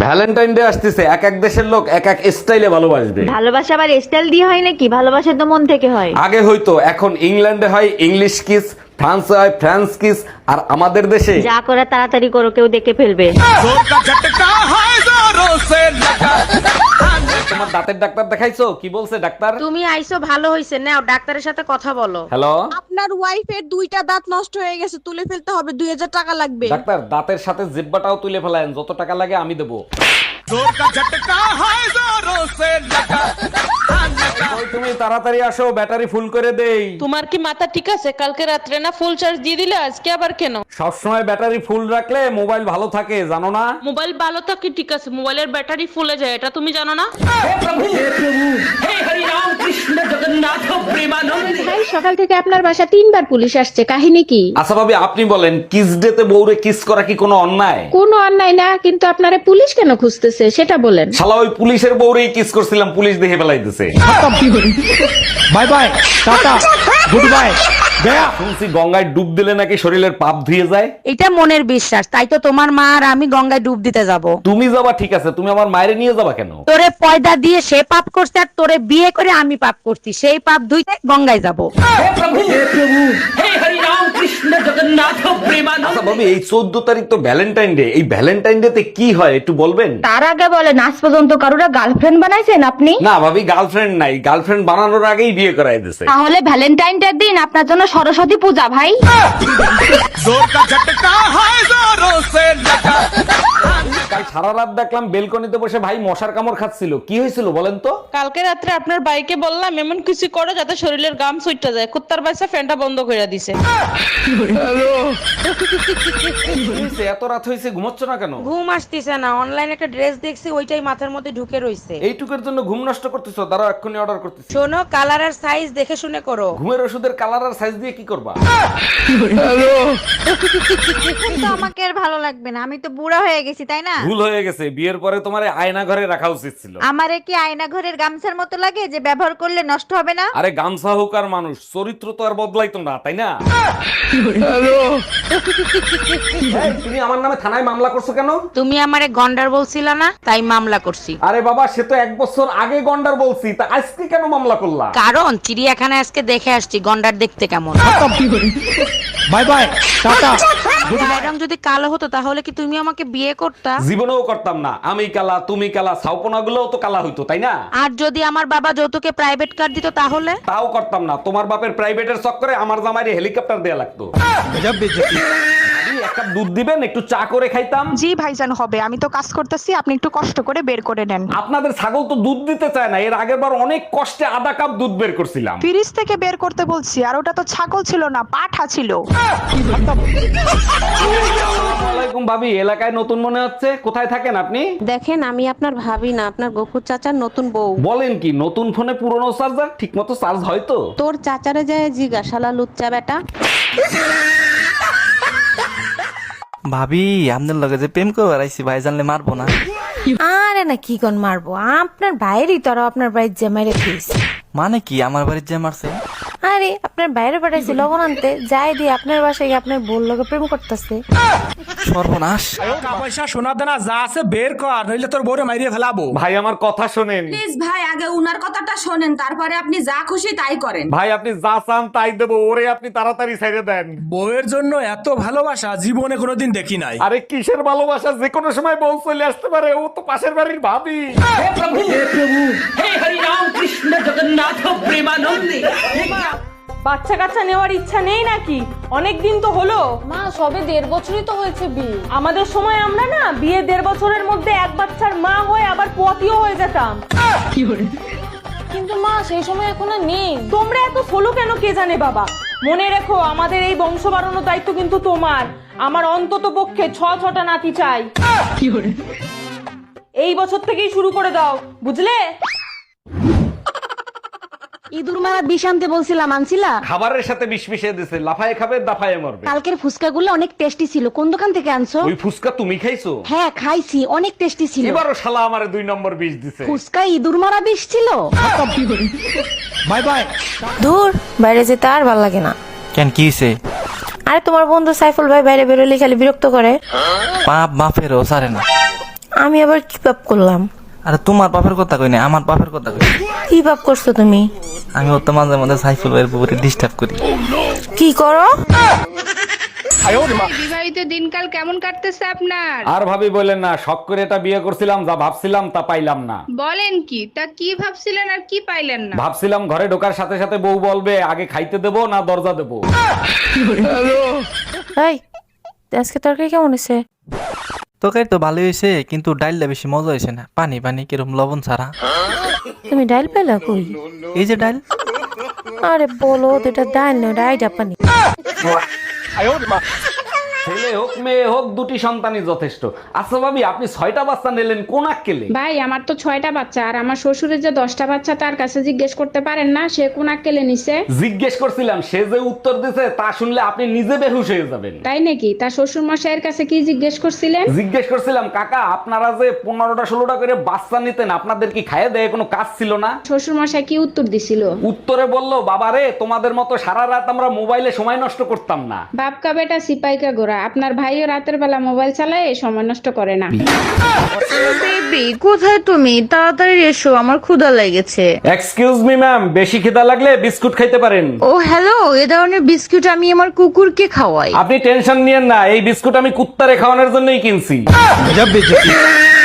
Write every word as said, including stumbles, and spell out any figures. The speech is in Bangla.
ভ্যালেন্টাইন ডে আসতেছে, এক এক দেশের লোক এক এক স্টাইলে ভালোবাসবে। ভালোবাসা আবার স্টাইল দিয়ে হয় নাকি? ভালোবাসা তো মন থেকে হয়। আগে হয়তো, এখন ইংল্যান্ডে হয় ইংলিশ কিস, ফ্রান্সে হয় ফ্রান্স কিস, আর আমাদের দেশে যা করে তাড়াতাড়ি করো, কেউ দেখে ফেলবে। তোমার দাঁতের ডাক্তার দেখাইছো? কি বলছে ডাক্তার? তুমি আইছো ভালো হইছে, নাও ডাক্তারের সাথে কথা বলো। হ্যালো আপনার ওয়াইফের দুইটা দাঁত নষ্ট হয়ে গেছে, তুলে ফেলতে হবে, দুই হাজার টাকা লাগবে। ডাক্তার, দাঁতের সাথে জিব্বাটাও তুলে ফেলায়েন, যত টাকা লাগে আমি দেবো। ওই তুমি তাড়াতাড়ি আসো, ব্যাটারি ফুল করে দেই। তোমার কি মাথা ঠিক আছে? কালকে রাত্রে না ফুল চার্জ দিয়ে দিলে, আজকে আবার কেন? সবসময় ব্যাটারি ফুল রাখলে মোবাইল ভালো থাকে, জানো না? মোবাইল ভালো থাকে ঠিক আছে, মোবাইলের ব্যাটারি ফুলে যায়, এটা তুমি জানো না? ভাই, সকাল থেকে আপনার বাসা তিনবার পুলিশ আসছে, কাহিনী কি? আচ্ছা ভাবি, আপনি বলেন, কিস ডেতে বউরে কিস করা কি কোনো অন্যায়? কোনো অন্যায় না, কিন্তু আপনারে পুলিশ কেন খুঁজতেছে সেটা বলেন। শালা ওই পুলিশের বউরেই কিস করছিলাম, পুলিশ দেখে ফেলাইতেছে। Bye bye, tata, good bye, গয়া। শুনছি গঙ্গায় ডুব দিলে নাকি শরীরের পাপ ধুয়ে যায়। এটা মনের বিশ্বাস, তাই তো তোমার মা আর আমি গঙ্গায় ডুব দিতে যাব। তুমি যাবা ঠিক আছে, তুমি আমার মায়ের নিয়ে যাবা কেন? তোরে পয়দা দিয়ে সে পাপ করছে, আর তোরে বিয়ে করে আমি পাপ করছি, সেই পাপ দুইটা গঙ্গায় যাব। আচ্ছা ভাবি, এই চোদ্দ তারিখ তো ভ্যালেন্টাইন ডে, এই ভ্যালেন্টাইন ডে তে কি হয় একটু বলবেন? তার আগে বলেন, আজ পর্যন্ত কারুরা গার্লফ্রেন্ড বানাইছেন আপনি? না ভাবি, গার্লফ্রেন্ড নাই, গার্লফ্রেন্ড বানানোর আগেই বিয়ে করাই দিছে। তাহলে ভ্যালেন্টাইন ডে দিন আপনার জন্য সরস্বতী পূজা ভাই। কাল সারা রাত দেখলাম বেলকনিতে বসে ভাই মশার কামড় খাচ্ছিল, কি হয়েছিল বলেন তো? কালকে রাত্রে আপনার বাইকে বললাম এমন কিছু করো যাতে শরীরের গাম সুইটটা যায়, কুত্তার বাচ্চা ফ্যানটা বন্ধ করে দিছে। এত রাত হয়েছে, ঘুমোচ্ছ না কেন? ঘুম আসতেছে না, অনলাইনে একটা ড্রেস দেখছি, ওইটাই মাথার মধ্যে ঢুকে রইছে। এইটুকের জন্য ঘুম নষ্ট করতেছো? দাঁড়াও, এক্ষুনি অর্ডার করতেছি। শোনো, কালার আর সাইজ দেখে শুনে করো। ঘুমের ওষুধের কালার আর সাইজ দিয়ে কি করবা? তো আমাকে আর ভালো লাগবে না, আমি তো বুড়া হয়ে গেছি, তাই না? ভুল হয়ে গেছে, বিয়ের পরে তোমার আয়না ঘরে রাখা উচিত ছিল। আমারে কি আয়না ঘরের গামছার মতো লাগে যে ব্যবহার করলে নষ্ট হবে না? আরে গামছা হোক আর মানুষ, চরিত্র তো আর বদলাইতো না, তাই না? এই, তুমি আমার নামে থানায় মামলা করছো কেন? তুমি আমারে গন্ডার বলছিলা না, তাই মামলা করছি। আরে বাবা, সে তো এক বছর আগে গন্ডার বলছি, তা আজকে কেন মামলা করলা? কারণ চিড়িয়াখানায় আজকে দেখে আসছি গন্ডার দেখতে কেমন। By bye, tata. ম্যাডাম যদি কালো হতো তাহলে কি তুমি আমাকে বিয়ে করতা? জীবনেও করতাম না, আমি কালা তুমি কালা, ছাউপনা গুলোও তো কালা হইতো, তাই না? আর যদি আমার বাবা যৌতুকে প্রাইভেট কার দিত তাহলে? তাও করতাম না, তোমার বাপের প্রাইভেটের চক্করে আমার জামাইরে হেলিকপ্টার দেয়া লাগতো। গজব বেইজ্জতি। ভাবি, এক কাপ দুধ দিবেন, একটু চা করে খাইতাম। জি ভাইজান, হবে, আমি তো কাজ করতেছি, আপনি একটু কষ্ট করে বের করে নেন। আপনাদের ছাগল তো দুধ দিতে চায় না, এর আগের বার অনেক কষ্টে আধা কাপ দুধ বের করছিলাম। ফ্রিজ থেকে বের করতে বলছি, আর ওটা তো ছাগল ছিল না, পাঠা ছিল। আসসালামাইকুম ভাবি, এলাকায় নতুন মনে হচ্ছে, কোথায় থাকেন আপনি? দেখেন, আমি আপনার ভাবি না, আপনার গফুর চাচার নতুন বউ। বলেন কি, নতুন ফোনে পুরনো চার্জার ঠিক মতো চার্জ হয় তো? তোর চাচারে যায় জিগা, শালা লুচ্চা বেটা। ভাবি, আপনার লগে যে প্রেম করে বেড়াইছি, ভাই জানলে মারবো না? আরে না, কি কোন মারবো, আপনার বাইরেই তো, আপনার বাড়ির জামাইরে ফিস। মানে কি আমার বাড়ির যে মারছে? আরে আপনার বাইরে পাঠাইছি লবণ আনতে, যাই দিয়ে আপনার বাসায় গিয়ে আপনার বোন লগে প্রেম করতেছে। সর্বনাশ। টাকা পয়সা সোনা দানা যা আছে বের কর, নইলে তোর বউরে মাইরিয়ে ফেলাবো। ভাই আমার কথা শোনেন। প্লিজ ভাই, আগে উনার কথাটা শোনেন, তারপরে আপনি যা খুশি তাই করেন। ভাই আপনি যা চান তাই দেবো, ওরে আপনি তাড়াতাড়ি ছেড়ে দেন। বউয়ের জন্য এত ভালোবাসা জীবনে কোনোদিন দেখি নাই। আরে কিসের ভালোবাসা, যে কোনো সময় বউ চলে আসতে পারে, ও তো পাশের বাড়ির ভাবি। বাচ্চা কাচ্চা নেওয়ার ইচ্ছা নেই নাকি? অনেক দিন তো হলো। মা, সবে দেড় বছরই তো হয়েছে বিয়ে। আমাদের সময় আমরা না বিয়ে দেড় বছরের মধ্যে এক বাচ্চার মা হয়ে আবার পোয়াতিও হয়ে যেতাম। কিন্তু মা, সেই সময় এখন আর নেই। তোমরা এত সোলো কেন কে জানে বাবা। মনে রেখো, আমাদের এই বংশ বাড়ানোর দায়িত্ব কিন্তু তোমার। আমার অন্তত পক্ষে ছ ছটা নাতি চাই। এই বছর থেকেই শুরু করে দাও, বুঝলে? ইঁদুর মারা বিষ আনতে বলছিলাম, আনছিলা? খাবারের সাথে বিষ মিশিয়ে দিছে, লাফায়ে খাবে দাফায়ে মরবে। কালকের ফুচকাগুলো অনেক টেস্টি ছিল, কোন দোকান থেকে আনছো? ওই ফুসকা তুমি খাইছো? হ্যাঁ খাইছি, অনেক টেস্টি ছিল। এবারও শালা আমারে দুই নম্বর বিষ দিছে। ফুচকা ইঁদুর মারা বিষ ছিল। Bye bye. দূর, বাইরে যেতে আর ভাল লাগে না। কেন, কি হয়েছে? আরে তোমার বন্ধু সাইফুল ভাই বাইরে বেরোলে খালি বিরক্ত করে। পাপ বাপেরও সারে না। আমি আবার কি পাপ করলাম? আরে তোমার বাপের কথা কই না, আমার বাপের কথা কই। কি পাপ করছো তুমি? আমি ওর তো মাঝে মাঝে সাইফুল ভাইয়ের পুকুরে ডিস্টার্ব করি। কি করো? বিবাহিত দিনকাল কেমন কাটতেছে আপনার? আর ভাবি বলেন না, শখ করে এটা বিয়ে করছিলাম, যা ভাবছিলাম তা পাইলাম না। বলেন কি? তা কি ভাবছিলেন আর কি পাইলেন না? ভাবছিলাম ঘরে ঢোকার সাথে সাথে বউ বলবে আগে খাইতে দেবো না দরজা দেবো। এই আজকে তরকারি কেমন হয়েছে? তোকাই তো ভালোই হয়েছে, কিন্তু ডাইলটা বেশি মজা হয়েছে না, পানি পানি কিরম লবণ ছাড়া। তুমি ডাইল পেলা কই? এই যে ডাইল। আরে বলো তো, এটা ডাইল না, ডাই জাপানি। ছেলে হোক মেয়ে হোক দুটি সন্তানই যথেষ্ট। আচ্ছা ভাবি, আপনি ছয়টা বাচ্চা নিলেন কোন আক্কেলে? ভাই আমার তো ছয়টা বাচ্চা, আর আমার শ্বশুরের যে দশটা বাচ্চা তার কাছে জিজ্ঞেস করতে পারেন না সে কোন আক্কেলে নিছে? জিজ্ঞেস করছিলাম, সে যে উত্তর দিছে তা শুনলে আপনি নিজে বেহুশ হয়ে যাবেন। তাই নাকি? তার শ্বশুর মশাইয়ের কাছে কি জিজ্ঞেস করছিলেন? জিজ্ঞেস করছিলাম, কাকা আপনারা যে পনেরোটা ষোলোটা করে বাচ্চা নিতেন, আপনাদের কি খাইয়ে দেয় কোনো কাজ ছিল না? শ্বশুর মশাই কি উত্তর দিছিল? উত্তরে বললো, বাবারে তোমাদের মতো সারা রাত আমরা মোবাইলে সময় নষ্ট করতাম না। বাপকা বেটা সিপাইকা গোরা, আপনার ভাইও রাতের বেলা মোবাইল চালায় সময় নষ্ট করে না। বেবি কোথায় তুমি? তাড়াতাড়ি এসো, আমার ক্ষুধা লেগেছে। এক্সকিউজ মি ম্যাম, বেশি খিদা লাগলে বিস্কুট খাইতে পারেন। ও হ্যালো, এ ধরনের বিস্কুট আমি আমার কুকুরকে খাওয়াই। আপনি টেনশন নিয়েন না, এই বিস্কুট আমি কুত্তারে খাওয়ানোর জন্যই কিনছি।